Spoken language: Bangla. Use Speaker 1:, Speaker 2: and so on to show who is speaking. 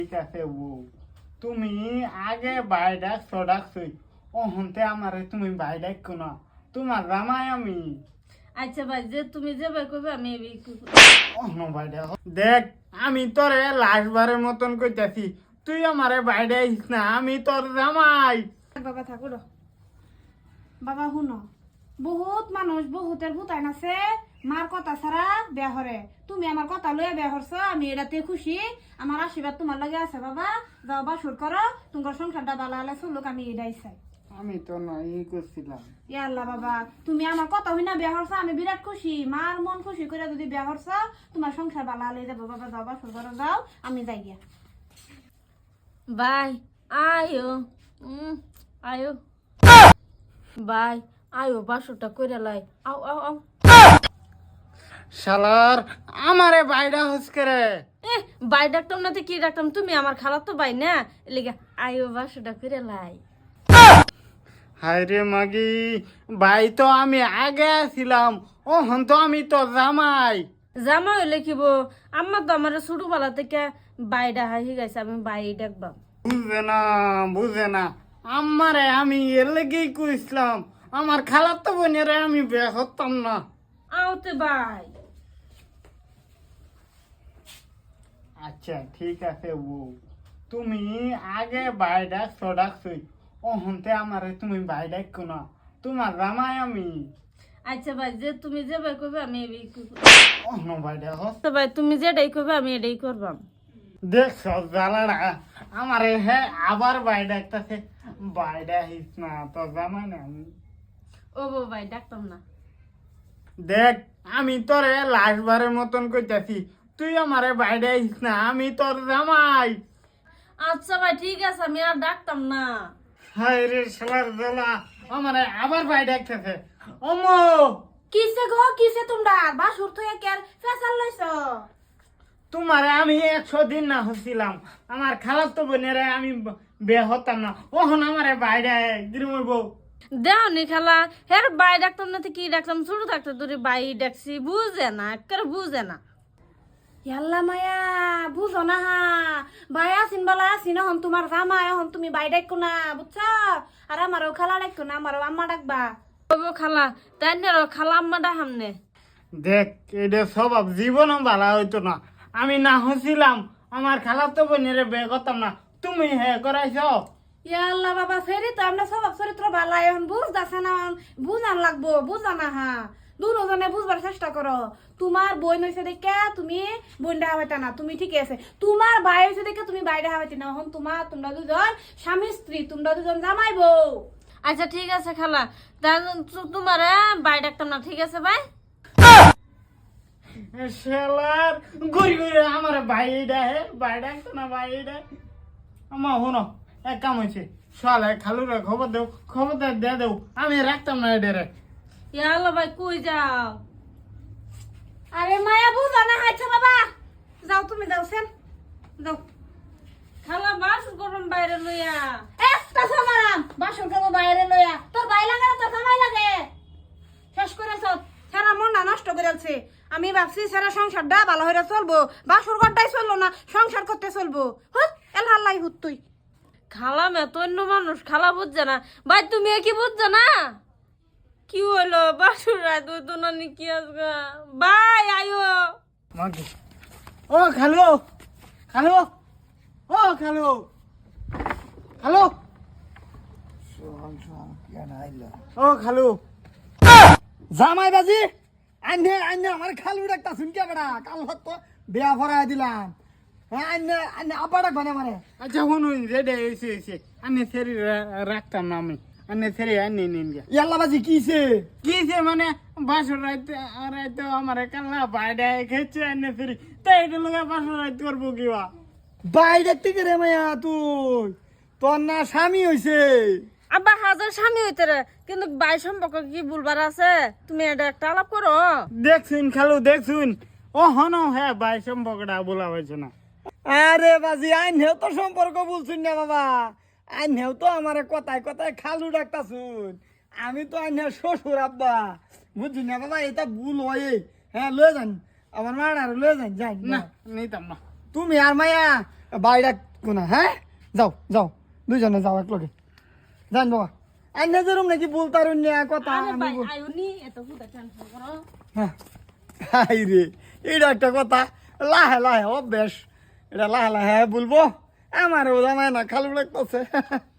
Speaker 1: ঠিক আছে বউ, তুমি আগে বাইডাক সডাকছই, অহন্তে আমারে তুমি বাইডাক কোনা, তোমার জামাই আমি।
Speaker 2: আচ্ছা ভাই, যে তুমি যে ভাই কইবে আমি
Speaker 1: অহন বাইডা দেখ, আমি তোরে লাস্টবারের মতন কইতাছি, তুই আমারে বাইডাইস না, আমি তোর জামাই।
Speaker 3: বাবা থাকো র বাবা শুনো, বহুত মানুষ বহুতের ভূতাইন আছে মার কথা ছাড়া বিয়া হরে। তুমি আমার কথা লইয়া বিয়া হরছ, আমি এটাতে খুশি। আমার আশীর্বাদ তোমার লাগে আছে বাবা। যাও বাসুর করো, তোমার সংসারটা ভালো হলে চলুক, আমি এটাই চাই।
Speaker 1: আমি তো নাই করছিলাম।
Speaker 3: ইয়াল্লা বাবা, তুমি আমার কথা হইনা বিয়া হরছ, আমি বিরাট খুশি। মার মন খুশি করে যদি বিয়া হরছ, তোমার সংসার ভালো হলে যাবো বাবা। যাও বাসুর করো, যাও, আমি যাই গিয়া।
Speaker 2: ভাই আয়ো আয়ো ভাই আয়ো, বাসুটা কইরা লাই। আও আও আও।
Speaker 1: শালার আমারে বাইডা হসকে রে।
Speaker 2: এ ভাই ডাকতাম না তো কি ডাকতাম, তুমি আমার খালা তো ভাই না, এলিগা আয়ো বাসুটা কইরা লাই।
Speaker 1: হায় রে মাগি, ভাই তো আমি আগে ছিলাম, ওহন তো আমি তো জামাই।
Speaker 2: জামা হইলে কিব, আম্মা তো আমার ছোটবেলা থেকে বাইডা হাই গেছে, আমি বাই ডাকবাম।
Speaker 1: বুঝে না আমারে, আমি এর লেগেই কইছিলাম, আমার খালার তো বোনেরে আমি বিয়ে করতাম না।
Speaker 2: আওতে ভাই।
Speaker 1: আচ্ছা ঠিক আছে বউ, তুমি আগে বাইডাক সডাকছই, ওহনতে আমারে তুমি বাইডাক কোনা, তোমার জামাই আমি।
Speaker 2: আচ্ছা ভাই, যে তুমি যে ভাই কইবে আমি
Speaker 1: অহন বাইডা হস।
Speaker 2: তো ভাই তুমি যেটাই কইবে আমি এটাই করবাম।
Speaker 1: দেখছ জ্বালাটা আমারে, হে আবার বাইডাকতাছে, বাইডা হিস না তো জামাই না আমি।
Speaker 2: ও বউ ভাই ডাকতাম না।
Speaker 1: দেখ, আমি তোরে লাস্টবারের মতন কইতাছি, তুই আমারে বাইডা হিস না, আমি তোর জামাই।
Speaker 2: আচ্ছা ভাই ঠিক আছে, আমি আর ডাকতাম না।
Speaker 1: হায় রে শালার জ্বালা, আমারে আবার বাইডাকতাছে। অমো
Speaker 3: কিসে গো, কিসে তোমরা বাসুর থইয়া কের ফেসাল লইছ?
Speaker 1: তোমারে আমি 100 দিন না হচ্ছিলাম, আমার খালার তো বোনেরে আমি বিয়ে হতাম না, ওহন আমারে বাইডা গিরমই বউ।
Speaker 2: দেওনি খালা, হ্যাঁ বাই ডাকতাম না তো কি ডাকতাম, ছোট থাকতে তোর বাই ডাকছি, বুঝে না একেবারে বুঝে না।
Speaker 3: ইয়াল্লা মায়া, বুঝো না হা, বাই আসিন বালা আসিন, হন তোমার জামাই, হন তুমি বাই ডাকো না, বুঝছা? আর আমারও খালা ডাকো না, আমারও আম্মা ডাকবা।
Speaker 2: ওই খালা তাই না, খালা আম্মা ডাহামনে।
Speaker 1: দেখ, এটা স্বভাব জীবনও ভালো হইতো না, আমি না হচ্ছিলাম, আমার খালার তো বোনেরে বিয়ে করতাম না, তুমি হে করাইছ।
Speaker 3: ইয়াল্লা বাবা, ফেরি তো আমরা স্বভাব চরিত্র ভালো, এখন বুঝতেছে না, বুঝান লাগবো, বুঝা না হা। দুজনে বুঝবার চেষ্টা করো। তোমার বই হয়েছে দেখে তুমি বোন দেখা হইতা না, তুমি ঠিক আছে। তোমার ভাই হয়েছে দেখে তুমি ভাই দেখা হইতে না, এখন তোমরা দুজন স্বামী স্ত্রী, তোমরা দুজন জামাই বউ।
Speaker 2: আচ্ছা ঠিক আছে খালা, তোমার বাই ডাকতাম না, ঠিক আছে ভাই।
Speaker 1: শালার ঘুরি ঘুরি আমার বাইডা হে বাইডা না বাইডা। আমার হনো এক কাম হয়েছে, শালা খালুরে খবর দেও, খবর দিয়ে দেও, আমি রাখতাম না এডেরে।
Speaker 2: ইয়াল্লা ভাই কই যাও?
Speaker 3: আরে মায়া, বুঝা না হাইছে বাবা, যাও তুমি, যাও সেন যাও।
Speaker 2: খালা বাস করুন বাইরে লইয়া।
Speaker 3: একটা সমারাম বাসন খাবো বাইরে লইয়া, তোর ভাই লাগে না তোর জামাই লাগে? শেষ করেছ, সারা মনটা নষ্ট করেছে। আমি ভাবছি সারা সংসারটা ভালো হয়ে চলবো, বাসুর ঘরটাই চললো না, সংসার করতে চলবো। হুত এল হাল্লাই হুত তুই।
Speaker 2: খালা মে তো অন্য মানুষ, খালা বুঝছে না। ভাই তুমি কি বুঝছো না? কি হলো বাসুর রাত তো নানি কি আসবে? ভাই আয়ো।
Speaker 1: মাগি ও খালু, খালু, ও খালু, খালু, ও খালু।
Speaker 4: জামাই বাজি আইনে আইনে আমার খালু ডাকতা শুনকে বেড়া, কাল তো বিয়া ভরাই দিলাম। হ্যাঁ আইনে আইনে আব্বা ডাকবা না মানে।
Speaker 1: আচ্ছা শুনুন, রেডে এসে এসে আনে সেরি রাখতাম না আমি, আনে সেরি আনে নিন গে।
Speaker 4: ইয়াল্লা বাজি কিছে?
Speaker 1: কিছে মানে বাসর রাইতে রাইতে আমার কাল্লা বাইডা খেয়েছে, আনে সেরি তাই এটা লোক বাসর রাইতে করবো কিবা।
Speaker 4: বাই দেখতে কে রে মায়া তুই? তোর না স্বামী হইছে?
Speaker 2: আব্বা হাজার স্বামী হইতে রে, কিন্তু ভাই সম্পর্ক কি বলবার আছে? তুমি এটা একটা আলাপ করো।
Speaker 1: দেখছুন খালু, দেখছুন, ও হন হ্যাঁ ভাই সম্পর্কটা বলা হয়েছে না।
Speaker 4: আরে বাজি আইনেও তো সম্পর্ক বলছুন না বাবা, আইনেও তো আমার কথায় কথায় খালু ডাকতা শুন। আমি তো আইনে শ্বশুর আব্বা, বুঝছি না বাবা, এটা ভুল হয়। হ্যাঁ লয়ে যান আমার মার, আর লয়ে যান যাই
Speaker 1: না
Speaker 4: না
Speaker 1: নিতাম না।
Speaker 4: তুমি আর মায়া বাইরা কোনা হ্যাঁ যাও যাও দুইজনে যাও এক লগে জান বাবা আইনে যেরম নাকি বলতারুন না কথা
Speaker 2: আরে
Speaker 4: আমি
Speaker 2: ভাই
Speaker 4: বল-
Speaker 2: আইউনি এত হুদা টেনশন করো
Speaker 4: হ্যাঁ হাই রে এটা একটা কথা লাহে লাহে অভ্যাস এটা লাহে লাহে বলবো আমার ও জামায় না খালু লাগতেছে